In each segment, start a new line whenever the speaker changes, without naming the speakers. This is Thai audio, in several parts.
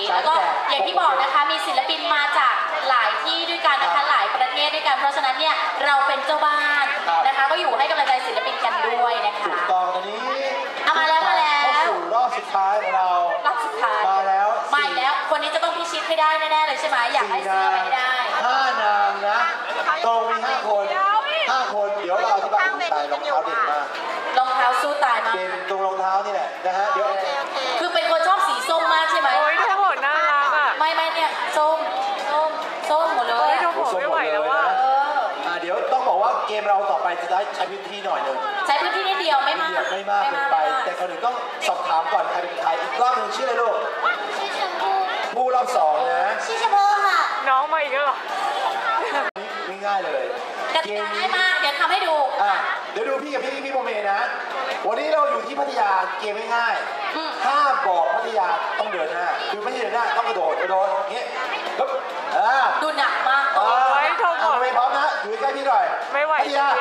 แล้วก็อย่างที่บอกนะคะมีศิลปินมาจากหลายที่ด้วยกันนะคะหลายประเทศด้วยกันเพราะฉะนั้นเนี่ยเราเป็นเจ้าบ้านนะคะก็อยู่ให้กำลังใจศิลปินกันด้วยนะคะ
ถูกต้องตอนนี้
มาแล้ว
เข้าสู่รอบสุดท้ายของเรา
รอบสุดท้าย
มาแล้ว
คนนี้จะต้องพิชิตให้ได้แน่ๆเลยใช่ไหมอยากให้เสื้อไปให้ได้
5 นางนะตรงมี5 คนเดี๋ยวเราที่บ้านตายรองเท้าเด็ดมาก
รองเท้าสู้ตายมาก
เกมตรงรองเท้านี่แหละนะฮะเดี๋ยว
คือเป็นคนชอบสีส้มมากใช่ไหม
โอ้ยทั้งหมดน่ารักอ่ะ
ไม่เนี่ยส้มหมดเลย
ทั้งหมดไม่ไหวแล้วว่า
เดี๋ยวต้องบอกว่าเกมเราต่อไปจะได้ใช้พื้นที่หน่อยนึง
ใช้พื้นที่นิดเดียวไม่มาก
เกินไปแต่คนอื่นต้องสอบถามก่อนใครเป็นใครอีกรอบนึงชื่ออะไรลูก
ชื่อชมพู
ผู้รอบ2นะ
ชื่อชมพูค่ะ
น้องมาอีกแล้วเหรอ
ง่ายเลย
กติกาง่ายมากเดี๋ยวทำให้ดู
เดี๋ยวดูพี่กับพี่โมเมนะวันนี้เราอยู่ที่พัทยาเกมง่ายๆถ้าบอกพัทยาต้องเดินหน้าคือไม่ใช่เดินหน้าต้องกระโดดอย่างเงี้ยปึ๊บ
ดูหนักมาก
โอ้ยโทษก่อน
ไม่พร้อมนะอยู่ใกล้พี่หน่อย
ไม่ไหว
พัทยา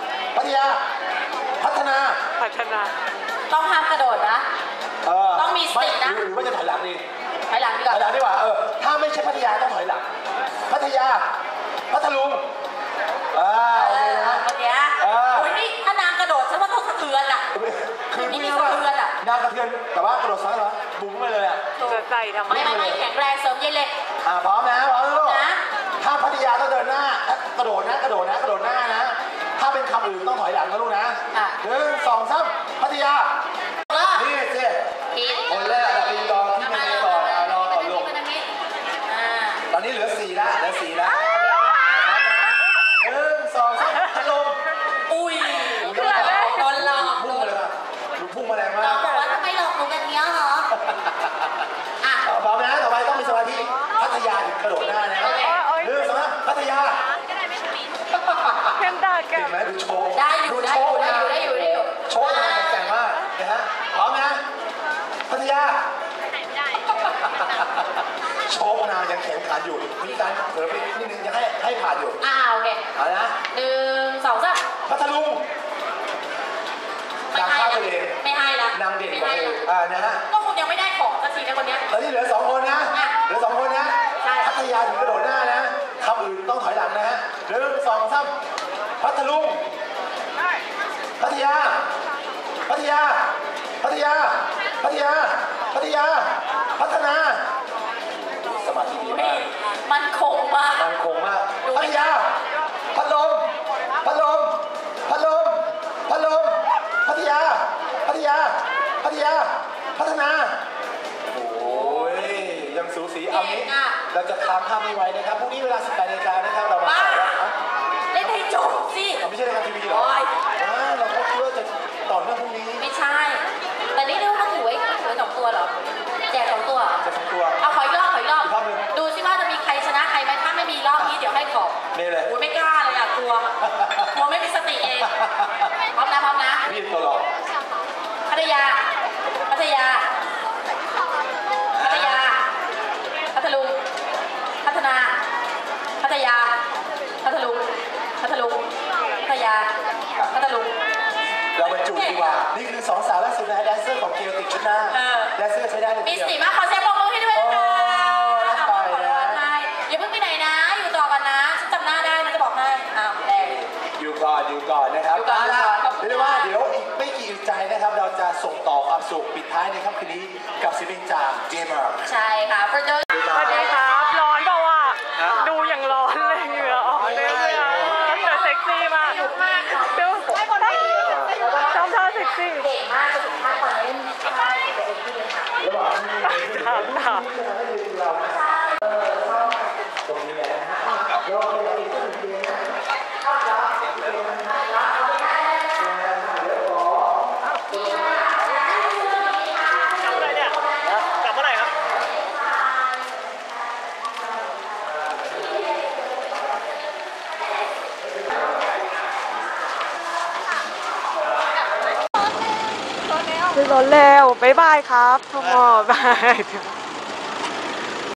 พัฒนา
ต้องห้ามกระโดดนะต้องมีสตินะ
หรือว่าจะถอยหลังดี
ถอยหลังดีกว่า
ถอยหลังดีกว่าถ้าไม่ใช่พัทยาต้องถอยหลังพัทยาพัทลุง
โอเคนะโอ้ยนี่ถ้านางกระโดดฉันว่าต้องสะเทือนอ่ะ
คือนี่สะเทือนอ่ะนางกระเทือนแต่ว่ากระโดดซ้ายเหรอบุ้งไปเลยอ่ะ
จะใจทำไม
ไม่แข็งแรงเสริมเย็นเล็ก
พร้อมนะลูกถ้าพัทยาต้องเดินหน้ากระโดดหน้านะถ้าเป็นคำอื่นต้องถอยหลังนะลูกนะ1 2 3พัทยานี่สิคนแรกตีกองที่ไม่ได้ต่อรอก่อนลูกตอนนี้เหลือ4แล้ว1 2 3พัดลม
อุ้ยโดนหลอก
พุ่งเลยป่ะพุ่งมาแรงมาก
เราบอกว่าทำไมหลอกหนูกันเนี้ยเหรอ
พร้อมนะต่อไปต้องมีสมาธิพัทยาถึงกระโดดหน้านะ1 2 3พัทยา
เห็นตาแก
ไหมดูโชว์
ได้อยู่
โชว์นะแต่งมากนะฮะพร้อมนะพัทยาโชว์นายังแข็งขันอยู่มีการเผลอไปนิดนึงยังให้ผ่านอยู่
โอเค
เอานะ
1 2 3
พัทลุงนางข้าวทะเล
ไม่ให้ละ
นางเด่นกว่าเธอนะฮะ
ก็คงยังไม่ได้ของสักทีนะคนนี้
ตอนนี้เหลือ2 คนนะพัทยาถึงกระโดดหน้านะคำอื่นต้องถอยหลังนะฮะ1 2 3พัทลุงพัทยาพัทนาสมาธิดีมาก
มันคงมาก
พัทยาพัดลมพัทยาพัฒนาโอ้ยยังสูสีเอานี้เราจะค้างภาพไม่ไว้นะครับพรุ่งนี้เวลา 18 นาฬิกานะครับเรามา
เล่นให้จบสิ
ไม่ใช่รายการทีวีหรอเราก็คิดว่าจะต่อเนื่องพรุ่งนี้
ไม่ใช่แต่นี่ดูมันถือไว้2 ตัวเหรอแจก2 ตัวเอาขออีกรอบดูสิว่าจะมีใครชนะใครไหมถ้าไม่มีรอบนี้เดี๋ยวให้ขอบ
นี่เลย
ไม่กล้าเลยกลัวไม่มีสติเองพร้อมนะ
พี่ตัวหลอก
พัทยาพัทลุงพัฒนาพัทยาพัทลุง
เราบรรจุดีกว่านี่คือ2 สาวและสุดท้ายแดนเซอร์ของเกียวติดชุดหน้าแดนเซอร์ใช้ได้เลย
มีสีมากขอเสียงปรบมือให้ด้วยนะคะอย่าเพิ่งไปไหนนะอยู่ต่อกันนะฉันจำหน้าได้นะจะบอกให้
อยู่ก่อนนะครับเรียกว่าเดี๋ยวอีกไม่กี่อึดใจนะครับเราจะส่งต่อความสุขปิดท้ายในค่ำคืนนี้กับศิลปินจากเกมเมอร์
ใช่ค่ะส
วัสดีครับร้อนเปล่าอ่ะดูอย่างร้อนเลยเหงื่อออกเลยแต่เซ็กซี่มากดูชอบท่าเซ็กซี่
เก่งมากจะถึงท่าตอนนี้
ถาม
ตรงนี้แหละ
ขึ้นรถเร็วบ๊ายบายครับทุกคนบาย